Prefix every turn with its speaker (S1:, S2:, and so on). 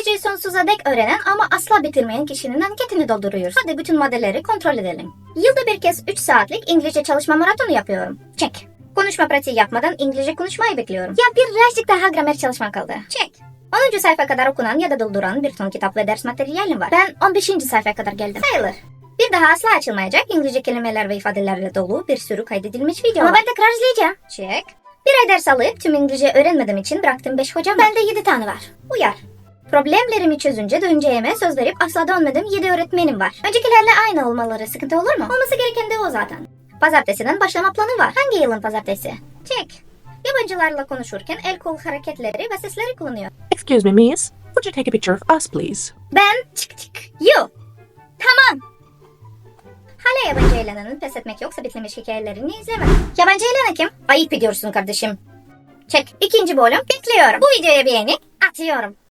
S1: İngilizceyi sonsuza dek öğrenen ama asla bitirmeyen kişinin anketini dolduruyoruz. Hadi bütün maddeleri kontrol edelim. Yılda bir kez 3 saatlik İngilizce çalışma maratonu yapıyorum. Çek. Konuşma pratiği yapmadan İngilizce konuşmayı bekliyorum. Ya birazcık daha gramer çalışma kaldı. Çek. 10. sayfa kadar okunan ya da dolduran bir ton kitap ve ders materyalim var. Ben 15. sayfaya kadar geldim. Sayılır. Bir daha asla açılmayacak İngilizce kelimeler ve ifadelerle dolu bir sürü kaydedilmiş video var. Ama ben tekrar izleyeceğim. Çek. Bir ay ders alıp tüm İngilizce öğrenmediğim için bıraktığım 5 hocam var. Bende 7 tane var. Uyar. Problemlerimi çözünce döneceğime söz verip asla dönmediğim 7 öğretmenim var. Öncekilerle aynı olmaları sıkıntı olur mu? Olması gereken de o zaten. Pazartesiden başlama planı var. Hangi yılın pazartesi? Çek. Yabancılarla konuşurken el kol hareketleri ve sesleri kullanıyor.
S2: Excuse me, miss. Would you take a picture of us, please?
S1: Ben çık. You. Tamam. Hala yabancı Elena'nın pes etmek yoksa bitirmiş hikayelerini izlemedim. Yabancı Elena kim? Ayıp ediyorsun kardeşim. Çek. 2. bölüm bekliyorum. Bu videoya beğeni atıyorum.